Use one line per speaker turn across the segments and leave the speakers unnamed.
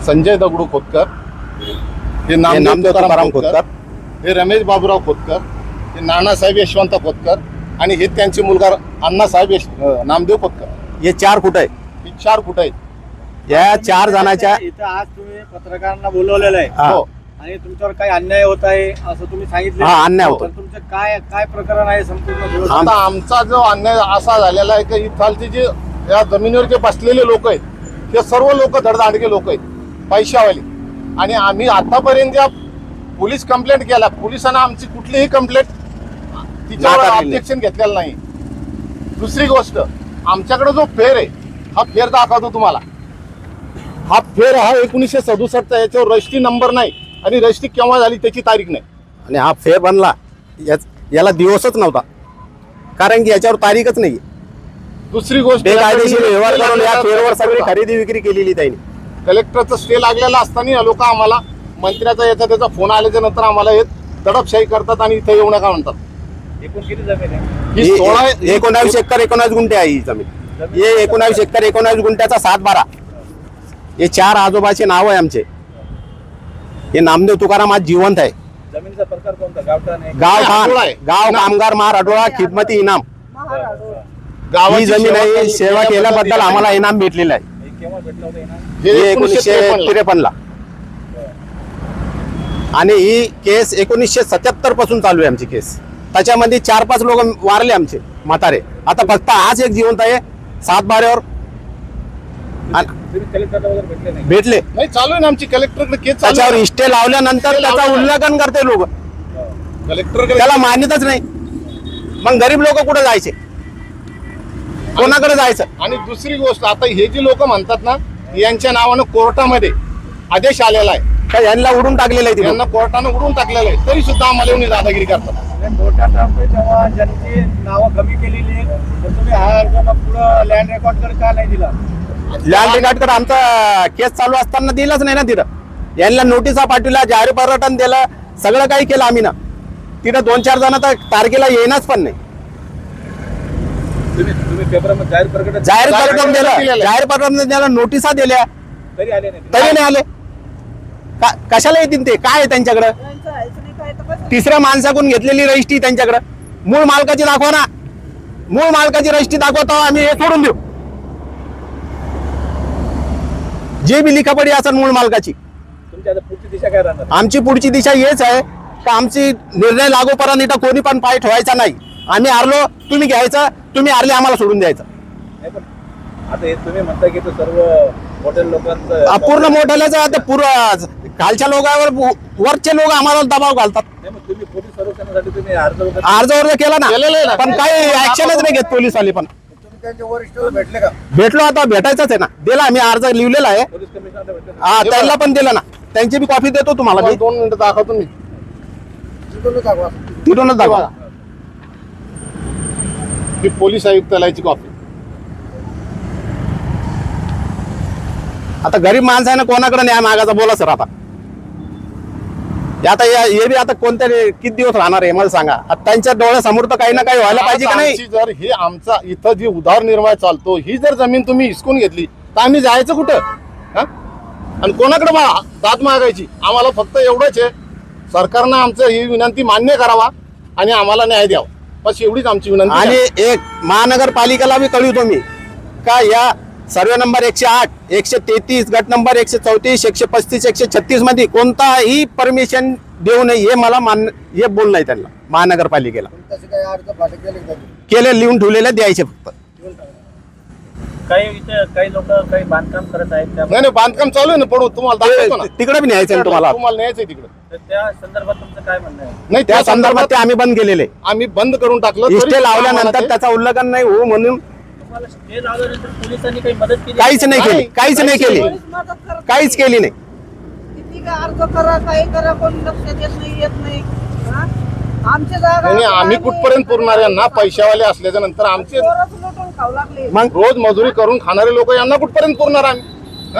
संजय दगडू खोतकर, हे नामदेव तुकाराम खोतकर, हे रमेश बाबूराव खोतकर, हे नानासाहेब यशवंत खोतकर आणि हे त्यांचे मुलगा अण्णासाहेब नामदेव खोतकर.
हे 4 कुठं आहे?
हे 4 कुठं आहेत?
या 4 जणांच्या
इथं आज तुम्ही पत्रकारांना बोलवलेलं आहे
हो.
आणि तुमच्यावर काही अन्याय होत आहे असं तुम्ही सांगितलं.
हा, अन्याय होतो.
तुमचं काय काय प्रकरण आहे संपूर्ण?
आता आमचा जो अन्याय असा झालेला आहे की इथालचे जे या जमिनीवर जे बसलेले लोक आहेत ते सर्व लोक धडधाडके लोक आहेत, पैशावाले. आणि आम्ही आतापर्यंत ज्या पोलीस कंप्लेंट केला, पोलिसांना आमची कुठलीही कंप्लेंट तिच्यावर ऑब्जेक्शन घेतलेलं नाही. दुसरी गोष्ट, आमच्याकडे जो फेर आहे हा फेर दाखवतो तुम्हाला. हा फेर हा 1967चा, याच्यावर रजिस्ट्री नंबर नाही आणि रजिस्ट्री केव्हा झाली त्याची तारीख नाही.
आणि हा फेर बनला याला दिवसच नव्हता, कारण की याच्यावर तारीखच नाही.
दुसरी गोष्ट,
बेकायदेशीर व्यवहार करून या फेरवर सगळी खरेदी विक्री केलेली त्यांनी.
कलेक्टरचा स्टे लागलेला असताना लोक आम्हाला मंत्र्याचा याचा त्याचा फोन आल्याच्या नंतर आम्हाला हे दडपशाही करतात आणि इथे येऊ नका म्हणतात.
एकूण किती जमीन आहे?
ही
19 एकर 19 गुंठे आहे ही जमीन. हे 19 एकर 19 गुंठ्याचा 7-12. हे 4 आजोबाचे नाव आहे आमचे. हे नामदेव तुकाराम आज जिवंत आहे.
जमिनीचा प्रकार कोणता? गावठाण आहे?
गाव कामगार महार अडोळा खिदमती इनाम. ही जमीन आहे. सेवा केल्याबद्दल आम्हाला इनाम भेटलेलं आहे.
केव्हा भेटलं होतं इनाम?
हे 1953ला. आणि ही केस 1977 पासून चालू आहे आमची केस. त्याच्यामध्ये 4-5 लोक वारले आमचे म्हातारे. आता फक्त आज एक जिवंत आहे 7-12वर.
तुम्ही कलेक्टरला वगैरे भेटले नाही?
भेटले.
नाही, चालू आहे ना आमची कलेक्टरकडे केस.
त्याच्यावर इष्टे लावल्यानंतर त्याचा उल्लंघन करते लोक.
कलेक्टरकडे
त्याला मान्यताच नाही. मग गरीब लोक कुठे जायचे? कोणाकडे जायचं?
आणि दुसरी गोष्ट, आता हे जी लोक म्हणतात ना, यांच्या नावानं कोर्टामध्ये आदेश आलेला आहे,
का यांना उडून टाकलेलं आहे.
यांना कोर्टानं उडून टाकलेलं आहे, तरी सुद्धा आम्हाला येऊन दादागिरी करतात.
कोर्टात आपले जेव्हा ज्यांची नावं कमी केलेली आहेत तर तुम्ही हा अर्ज मग पुढं लँड रेकॉर्डकडे का नाही दिला?
लँड रेकॉर्डकडे आमचा केस चालू असताना दिलाच नाही ना तिथं. यांना नोटिसा पाठवल्या, जाहीर पर्यटन दिलं, सगळं काही केलं आम्ही ना. तिथं 2-4 जण तर तारखेला येईनच पण नाही.
तुम्ही पेपरमध्ये जाहीर प्रकटन
जाहीर पर्यटन दिलं, जाहीर पर्यटन दिलं, नोटिसा दिल्या,
तरी आले नाही.
तरी नाही आले. कशाला येतील ते? काय आहे त्यांच्याकडं? तिसऱ्या माणसाकडून घेतलेली रजिस्ट्री त्यांच्याकडं. मूळ मालकाची दाखवा ना. मूळ मालकाची रजिस्ट्री दाखवतो, आम्ही हे सोडून देऊ. जे बी लिखापडी असेल मूळ मालकाची.
तुमची आता पुढची दिशा काय राहणार?
आमची पुढची दिशा हेच आहे का आमची निर्णय लागोपर्यंत इथं कोणी पण पाय ठेवायचा नाही. आम्ही हारलो, तुम्ही घ्यायचं, तुम्ही हारले, आम्हाला सोडून द्यायचं.
आता हे तुम्ही म्हणता की सर्व हॉटेल लोकांचं
पूर्ण मोठ्यालाच आता पुरं खालच्या लोकांवर वरचे लोक आम्हाला दबाव घालतात.
तुम्ही पोलीस संरक्षणासाठी तुम्ही अर्ज
अर्ज केला ना, पण काही ऍक्शनच नाही घेत पोलीसवाले. पण
तुम्ही त्यांच्या वरिष्ठ भेटले का?
भेटलो, आता भेटायचंच आहे ना. दिला आम्ही अर्ज लिहिलेला आहे.
पोलीस कमिशनरला भेटले?
हा, त्यांना पण दिला ना. त्यांची बी कॉपी देतो तुम्हाला.
2 मिनिटं दाखवतो मी.
तिथूनच दाखवा.
ही पोलीस आयुक्तालयाची कॉपी.
आता गरीब माणसं आहे ना, कोणाकडे न्याय मागायचा? बोला सर. आता हे बी आता कोणत्या किती दिवस राहणार आहे मला सांगा. आता त्यांच्या डोळ्यासमोर तर काही ना काही व्हायला पाहिजे का नाही?
जर हे आमचा इथं जी उदरनिर्वाह चालतो, ही जर जमीन तुम्ही हिसकून घेतली तर आम्ही जायचं कुठं? आणि कोणाकडे दाद मागायची? आम्हाला फक्त एवढंच आहे, सरकारनं आमचं ही विनंती मान्य करावा आणि आम्हाला न्याय द्यावा, बस एवढीच आमची विनंती.
आणि एक महानगरपालिकेला बी कळवतो मी का या सर्वे नंबर 108, 133, गट नंबर 134, 135, 136 मध्ये कोणताही परमिशन देऊ नये, हे मला हे बोल नाही त्यांना महानगरपालिकेला. केले, लिहून ठेवलेले द्यायचे फक्त.
काही लोक काही बांधकाम करत आहेत.
नाही, बांधकाम चालू आहे ना, पडू तुम्हाला दाखवतो ना.
तिकडे बी न्यायचं
तुम्हाला न्यायचं आहे तिकडे.
तर त्या संदर्भात तुमचं काय म्हणणं आहे?
नाही,
त्या संदर्भात ते आम्ही बंद केलेले.
आम्ही बंद करून टाकलं.
इष्टे लावल्यानंतर त्याचा उल्लंघन नाही हो म्हणून
तुम्हाला स्टे लावल्यानंतर पोलिसांनी काही मदत केली?
काहीच नाही केली, काहीच नाही केली, काहीच केली नाही.
किती अर्ज करा, काही करा, कोणी लक्ष देत नाही, येत नाही. आमच्या जागा
आम्ही कुठपर्यंत पुरणार यांना? पैशावाले असल्याच्या नंतर आमचे
लुटून खाऊ लागले.
मग
रोज मजुरी करून खाणारे लोक यांना कुठपर्यंत पुरणार आम्ही?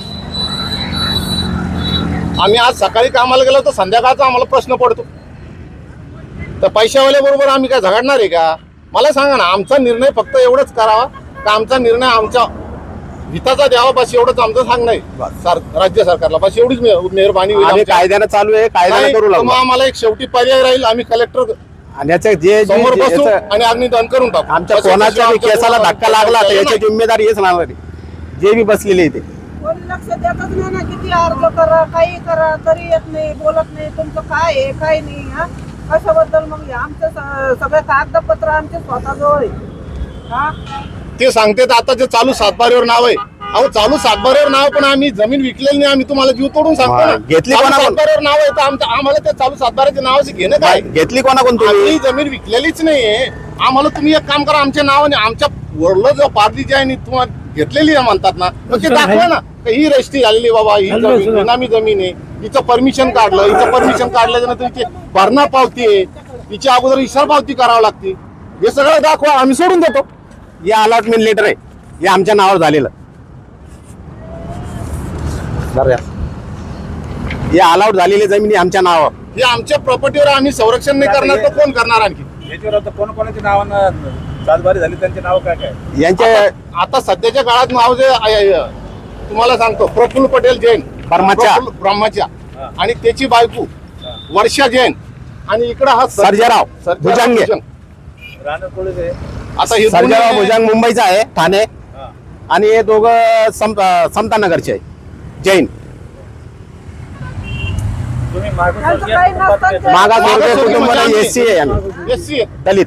आम्ही आज सकाळी कामाला गेलो तर संध्याकाळचा आम्हाला प्रश्न पडतो. तर पैशावाल्या बरोबर आम्ही काय झगडणार आहे का? मला सांगा ना. आमचा निर्णय फक्त एवढंच करावा का आमचा निर्णय आमच्या हिताचा द्यावा बस एवढंच आमचं सांगणं आहे राज्य सरकारला, बस एवढीच मेहरबानी होईल
आम्ही
आमच्या.
कायद्यानं चालू आहे, कायद्यानं
नाही,
करू
तर
लागलो.
मग आम्हाला एक शेवटी पर्याय राहील, आम्ही कलेक्टर
आणि याचं जे
समोर बसू
याचं-
आणि अग्निदान करून टाकू.
आमच्या
बस
कोणाच्या बी
आमच्या
केसाला
कोणाला
धक्का लागला तर
नाही.
याची जिम्मेदारी हेच राहणार आहे. जे बी बसलेले इथे
कोणी लक्ष देतच नाही ना, किती अर्ज करा काही करा तरी येत नाही, बोलत नाही तुमचं काय आहे काय नाही. हा कशाबद्दल मग हे आमचं सगळे कागदपत्र आमचे स्वतःजवळ आहे. हा
ते सांगतात आता जे चालू सातबाऱ्यावर नाव आहे. अहो चालू सातबाऱ्यावर नाव, पण आम्ही जमीन विकलेली नाही, आम्ही तुम्हाला जीव तोडून सांगतो ना.
घेतली
चालू
कोणाकडून?
सातबाऱ्यावर नाव आहे तर आम्हाला त्या चालू सातबाऱ्याच्या नावाचे घेणं काय?
घेतली कोणाकोण तुम्ही?
आम्ही जमीन विकलेलीच नाहीये. आम्हाला तुम्ही एक काम करा, आमच्या नावाने आमच्या वरलं जो पारदी जी आहे नी तुम्हाला घेतलेली आहे म्हणतात ना, मग ते दाखवा ना का ही रजिस्ट्री झालेली बाबा, ही जमीन बेनामी जमीन आहे, हिचं परमिशन काढलं, हिचं परमिशन काढल्याच्या नंतर हिची भरणा पावती आहे, हिची अगोदर इशारा पावती करावी लागते. हे सगळं दाखवा, आम्ही सोडून देतो.
हे अलॉटमेंट लेटर आहे, हे आमच्या नावावर झालेलं. हे अलाउड झालेली जमिनी आमच्या नावावर.
हे आमच्या प्रॉपर्टीवर आम्ही संरक्षण नाही करणार तर कोण करणार आणखी?
याच्यावर आता कोणाकोणाच्या नावानं सातबारी झाली, त्यांचे नाव काय काय?
यांचे
आता सध्याच्या काळात नाव जे तुम्हाला सांगतो, प्रफुल्ल पटेल जैन
ब्रह्माच्या.
ब्रह्माच्या आणि त्याची बायको वर्षा जैन आणि इकडं हा
सर्जेराव भुजंगे.
राणा कोळी
आता हे
सर्जेराव
दोन्ही-
भुजंग मुंबईचा आहे, ठाणे. आणि हे दोघं समतानगरचे आहे, जैन.
तुम्ही
त्यांचं काही नसतं ते.
मागासवर्गीय
मागासवर्गीय
कुटुंबाला
म्हणजे
एससी आहे आम्ही,
SC आहे.
दलित.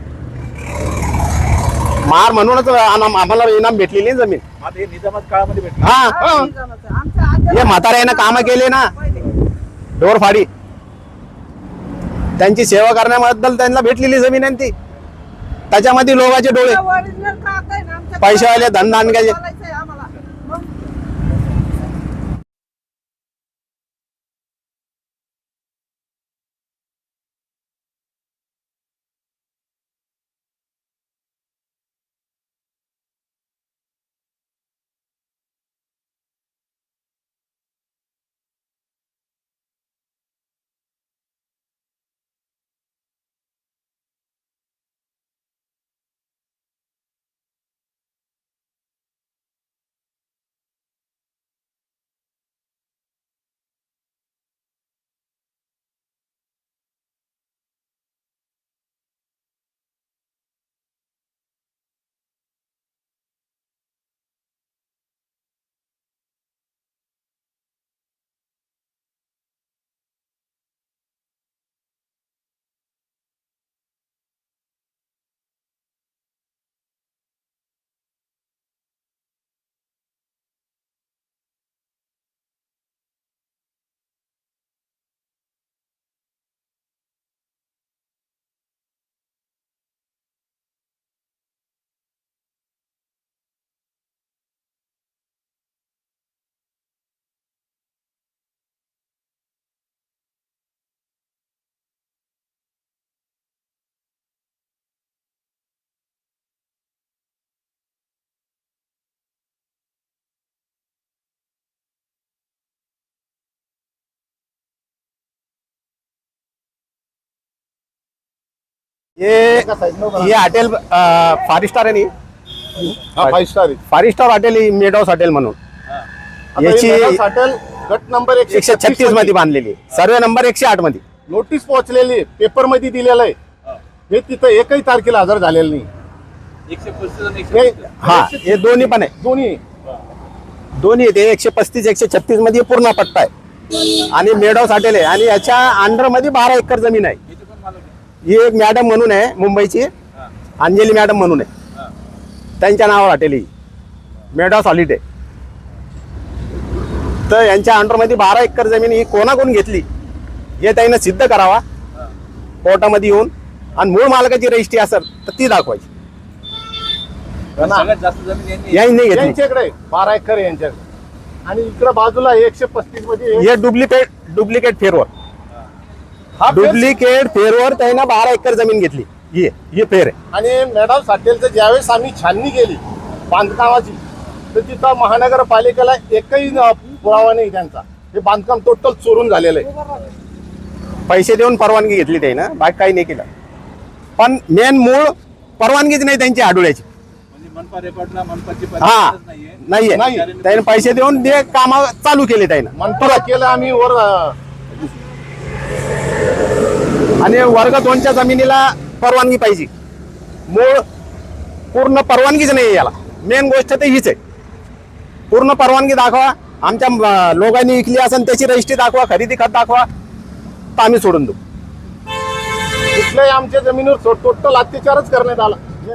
महार म्हणूनच आम्हाला इनाम भेटलेली आहे जमीन.
आता हे निजामात काळामध्ये भेटले.
हा,
हा, निजामाचं. आमच्या आज्याला-
हे म्हाताऱ्यानं कामं केले ना,
पहिले.
ढोरफाडी. त्यांची सेवा करण्याबद्दल त्यांना भेटलेली जमीन आहे ती. त्याच्यामध्ये लोकांचे डोळे.
ओरिजिनल कागद आहे ना, आमच्या
पैशावाले धनदानग्याचे.
बोलायचं आहे आम्हाला. मग
हे हॉटेल फार स्टार आहे नी,
हा 5 स्टार आहे.
फार star hotel, made house hotel म्हणून.
आता
याची
हे मेघास हॉटेल गट नंबर
136 मध्ये बांधलेली, सर्वे नंबर 108 मध्ये.
नोटीस पोहोचलेली, पेपर मध्ये दिलेलं आहे. हे तिथं एकही तारखेला हजर झालेलं नाही.
135 आणि
हे-
135.
हा, हे दोन्ही पण आहे.
दोन्ही
ते 135 136 मध्ये पूर्ण पट्टा आहे. आणि मेड हाऊस हॉटेल आहे. आणि याच्या अंडर मध्ये 12 एकर जमीन आहे.
इथे पण मालूम आहे.
ही एक मॅडम म्हणून आहे मुंबईची, अंजली मॅडम म्हणून आहे, त्यांच्या नावावर हॉटेल ही मेड हाऊस हॉलिडे. तर यांच्या अंडरमध्ये 12 एकर जमीन ही कोणाकडून घेतली हे त्यांना सिद्ध करावा कोर्टामध्ये येऊन. आणि मूळ मालकाची रजिस्ट्री असेल तर ती दाखवायची.
सगळ्यात जास्त जमीन यांनी
यांनी नाही घेतली.
यांच्याकडे 12 एकर आहे यांच्याकडे. आणि इकडं बाजूला 135 मध्ये
हे डुप्लिकेट फेरवर,
हा फेर-
डुप्लिकेट फेरवर त्यांना 12 एकर जमीन घेतली. ही फेर आहे.
आणि मॅडम हॉटेलचं ज्यावेळेस आम्ही छाननी केली बांधकामाची, तर तिथं महानगरपालिकेला एकही पुरावा नाही त्यांचा. हे बांधकाम टोटल चोरून झालेलं आहे.
पैसे देऊन परवानगी घेतली त्यानं, बाकी काही नाही केलं. पण मेन मूळ परवानगीच नाही त्यांची आडुळ्याची.
म्हणजे मनपा रेकॉर्डला मनपाची
हा
परवानगीच नाहीये.
नाहीये
नाही.
त्याने पैसे देऊन ते काम चालू केले त्यानं
मनपाला केलं आम्ही वर
आणि वर्ग 2च्या जमिनीला परवानगी पाहिजे. मूळ पूर्ण परवानगीच नाही याला. मेन गोष्ट तर हीच आहे. पूर्ण परवानगी दाखवा. आमच्या लोकांनी विकली असेल त्याची रजिस्ट्री दाखवा, खरेदी खत दाखवा, तर आम्ही सोडून देऊ.
कुठल्याही आमच्या जमिनीवर टोटल अत्याचारच करण्यात आला.